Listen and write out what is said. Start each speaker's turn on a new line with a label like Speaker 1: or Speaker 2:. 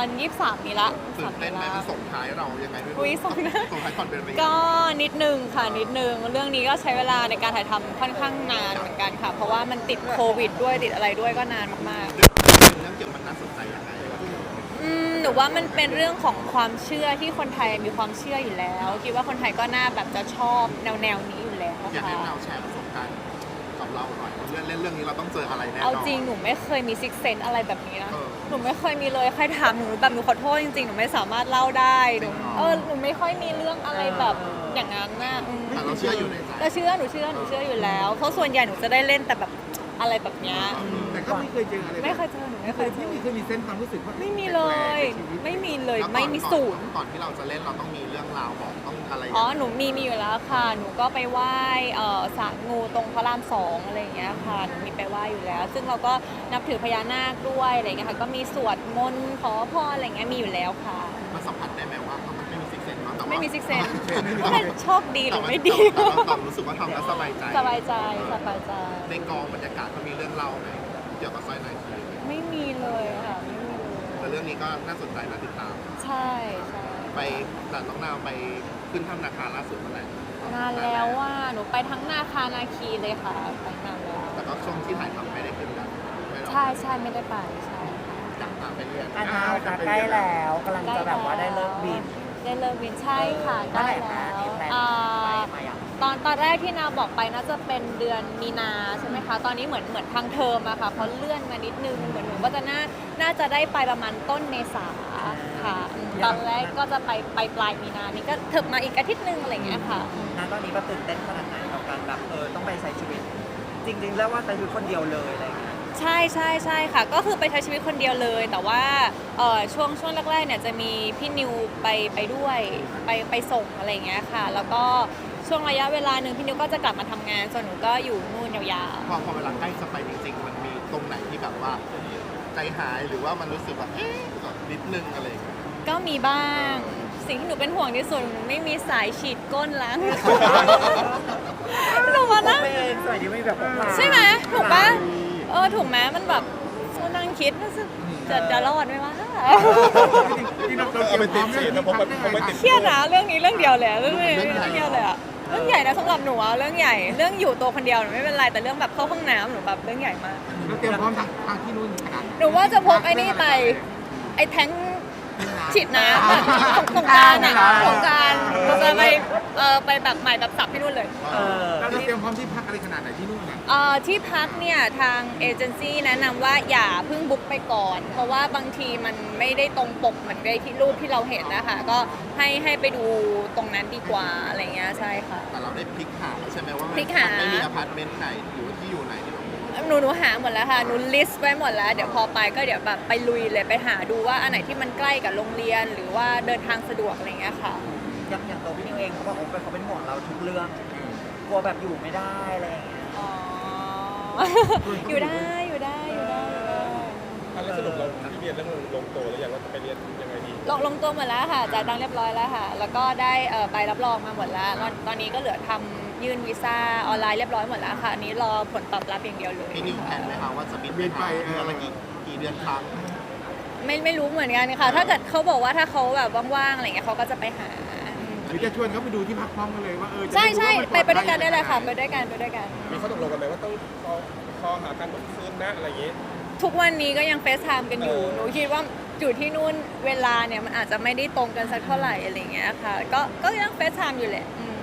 Speaker 1: 23นี้ละ
Speaker 2: ตื่นเต้นไหมมันส่งท้ายเรายังไงไม่รู้
Speaker 1: อุ้ยส่งนะ
Speaker 2: ส่งท้ายคอนเบรี
Speaker 1: ก็นิดนึงค่ะนิดนึงเรื่องนี้ก็ใช้เวลาในการถ่ายทำค่อนข้างนานเหมือนกันค่ะ เพราะว่ามันติดโควิดด้วยติดอะไรด้วยก็นานมากๆ
Speaker 2: เรื่องเกี่ยวกับมันน่าสนใจยังไง
Speaker 1: หนูว่ามันเป็นเรื่องของความเชื่อที่คนไทยมีความเชื่ออยู่แล้วคิดว่าคนไทยก็น่าแบบจะชอบแนวนี้อยู่แล้ว
Speaker 2: อยาก
Speaker 1: ค่ะ
Speaker 2: ให้เราแชร์ประสบการณ์กับเราหน่อยเล่นเรื่องนี้เราต้องเจออะไรแน่นอน
Speaker 1: เอาจริงหนูไม่เคยมีซิกเซนอะไรแบบนี้นะ
Speaker 2: เออ
Speaker 1: หนูไม่เคยมีเลยใครถามหนูแบบหนูขอโทษจริงๆหนูไม่สามารถเล่าได้หนูหนูไม่ค่อยมีเรื่องอะไรแบบอย่างนั้นนะ
Speaker 2: แต่เราเชื่ออยู่ในใจ
Speaker 1: แต่หนูเชื่ออยู่แล้วเพราะส่วนใหญ่หนูจะได้เล่นแต่แบบอะไรแบบเนี้ย
Speaker 3: แต่ก็ไม่เคยเจออะไร
Speaker 1: ไม่เคยเจอหนูไม่เคยเจอ
Speaker 3: ไม่เคยมีเส้นความรู้สึกว่า
Speaker 1: ไม่มีเลย ไม่มีเลย
Speaker 2: แล้ว
Speaker 1: ไม่มีศูนย์
Speaker 2: ก่อนที่เราจะเล่นเราต้องมีเรื่องราวบอกต้องอะไร
Speaker 1: อ๋อ หนูมีอยู่แล้วค่ะ หนูก็ไปไหว้ศาลงูตรงพระราม2อะไรอย่างเงี้ยค่ะ หนูมีไปไหว้อยู่แล้ว ซึ่งเราก็นับถือพญานาคด้วยอะไรอย่างเงี้ยค่ะ ก็มีสวดมนต์ขอพรอะไรอย่างเงี้ยมีอยู่แล้วค่ะ
Speaker 2: มันสัมผัสได้ไหมว่ามันไม่มีซิกเซนเนาะแต่ว่า
Speaker 1: ไม่มีซิกเซนว่ามันโชคดีหรือไม่ดี
Speaker 2: แต่เรารู้สึกว่าทำแล้วสบายใจ
Speaker 1: สบายใจสบายใจ
Speaker 2: ในกองบรรยากาศเขามีเรื่องเล่าไหมเกี่ยวกับสร้อยนายที
Speaker 1: ไม่มีเลยค่ะไม่มีเลย
Speaker 2: แต่เรื่องนี้ก็น่าสนใจน่าติดตาม
Speaker 1: ใช่ใช่
Speaker 2: ไปแต่น้องนาวไปขึ้นถ้ำนาคาล่าสุดเมื่อไหร่
Speaker 1: นานแล้วว่าหนูไปทั้งนาคานาคีเลยค่ะไปนานแล้ว
Speaker 2: แต่ก็ช่วงที่ถ่ายทำไม่ได้ขึ้นกันไม่หรอก
Speaker 1: ใช่ไม่ได้ไปใช่ค่ะ
Speaker 2: อยากตามไปเรียน
Speaker 4: อาณาจะใกล้แล้วกำลังจะแบบว่าได้เลิกบิน
Speaker 1: ได้เลิกบินใช่ค่ะ
Speaker 4: เมื่อ
Speaker 1: ได้
Speaker 4: ไหร่
Speaker 1: แล้
Speaker 4: นะ
Speaker 1: ว
Speaker 4: ที่แพลนไปมาอย่าง
Speaker 1: ตอนแรกที่นาบอกไปน่าจะเป็นเดือนมีนาใช่ไหมคะ ตอนนี้เหมือนทางเทอมอะค่ะเขาเลื่อนมานิดนึงเหมือนหนูก็จะน่าจะได้ไปประมาณต้นเมษาค่ะตอนแรกก็จะไปปลายมีนานี่ก็เถิบมาอีกอาทิตย์นึงอะไรอย่างเงี้ยค่ะ
Speaker 4: ณตอนนี้ก็ตื่นเต้นขนาดไหนกับการแบบต้องไปใช้ชีวิต จริงๆแล้วว่าใช้ชีวิตคนเดียวเลยอะไรอย่างเงี้ย
Speaker 1: ใช่ค่ะ ก็คือไปใช้ชีวิตคนเดียวเลย แต่ว่าช่วงแรกๆเนี่ยจะมีพี่นิวไปด้วยไปส่งอะไรอย่างเงี้ยค่ะ แล้วก็ช่วงระยะเวลาหนึ่งพี่นิวก็จะกลับมาทำงานส่วนหนูก็อยู่นู่นยาว
Speaker 2: พอเวลาใกล้จะไปจริงๆ มันมีตรงไหนที่แบบว่าใจหายหรือว่ามันรู้สึกแบบแบบนิดนึงอะไรอย่างเงี้ย
Speaker 1: ๆก็มีบ้าง สิ่งที่หนูเป็นห่วงที่สุดไม่มีสายฉีดก้นล้าง หนูว่านะ
Speaker 4: เป็นสวยดีไม่แบบพกพา
Speaker 1: ใช่ไหมถูกปะถูกไหมมันแบบนั่งคิดว่าจะรอดไหมวะ
Speaker 3: ที่เราเตรียมพร้อมเรื่องนี้ครับ
Speaker 1: เครียดนะเรื่องนี้เรื่องเดียวเลยอะเรื่องนี้เรื่องเดียวเลยอะเรื่องใหญ่นะสำหรับหนูอะเรื่องใหญ่เรื่องอยู่ตัวคนเดียวหนูไม่เป็นไรแต่เรื่องแบบเข้าห้องน้ำหนูแบบเรื่องใหญ่มาก
Speaker 3: เราเตรียมพร้อมทางที่นู่นขนาด
Speaker 1: หนูว่าจะพกไอ้นี่ไปไอ้แท้งฉีดน้ำอะสงกรารอะสงกรารเราจะไปแบบใหม่แบบสับที่นู่นเลย
Speaker 3: เราเตรียมพร้อมที่พักอะไรขนาดไหนที่นู่นน่ะ
Speaker 1: ที่พักเนี่ยทางเอเจนซี่แนะนำว่าอย่าเพิ่งบุ๊กไปก่อน เพราะว่าบางทีมันไม่ได้ตรงปกเหมือนในที่รูปที่เราเห็นนะคะก็ให้ไปดูตรงนั้นดีกว่าอะไรเงี้ยใช่ค่ะ
Speaker 2: แต่เราได้พลิกหาแล้วใช่ไหมว่า
Speaker 1: พลิกหา
Speaker 2: ไม่มีอพาร์ตเมนต์ไหนหรือว่าที่อยู่ไหนที่เรา
Speaker 1: หนูหาหมดแล้วค่ะหนูลิสต์ไว้หมดแล้วเดี๋ยวพอไปก็เดี๋ยวแบบไปลุยเลยไปหาดูว่าอันไหนที่มันใกล้กับโรงเรียนหรือว่าเดินทางสะดวกอะไรเงี้ยค่ะ
Speaker 4: อย่างตัวพี่นิวเองเขาบอกว่าเขาเป็นห่วงเราทุกเรื่องกลัวแบบอยู่ไม่ได้อะไรอย่างเงี้ย
Speaker 1: อ๋อ อยู่ได้
Speaker 5: แล้วสรุปเราที่เรียนเรื่องลงตัวแล้วอย่างว่าจะไปเรียนยังไงดี
Speaker 1: ลงตัวหมดแล้วค่ะจ่ายตังค์เรียบร้อยแล้วค่ะ แล้วก็ได้ใบรับรองมาหมดแล้วตอนนี้ก็เหลือทำยื่นวีซ่าออนไลน์เรียบร้อยหมดแล้วค่ะอันนี้รอผลตอบรับอย่างเดียวเลย
Speaker 2: พี่นิวแผนไหมคะว่าจะบินไปเดือนละกี่เดือนครั้ง
Speaker 1: ไม่รู้เหมือนกันค่ะ ถ้าเกิดเขาบอกว่าถ้าเขาแบบว่างๆอะไรเงี้ยเขาก็จะไปหา
Speaker 3: หรือจะชวนเขาไปดูที่พักพร้อมกันเลยว่า
Speaker 1: ใช่
Speaker 3: จะได้รู้ว่ามัน
Speaker 1: ไปด้วยกันได้เลยค่ะไปด้วยกัน
Speaker 5: มีข้อตกลงกันไหมว่าต้องคอหากันทุกคืนนะอะไรอย่างงี้
Speaker 1: ทุกวันนี้ก็ยังเฟซไทม์กันอยู่ หนูคิดว่าอยู่ที่นู่นเวลาเนี่ยมันอาจจะไม่ได้ตรงกันสักเท่าไหร่อะไรเงี้ยค่ะ ก็ยังเฟซไทม์อยู่แหละ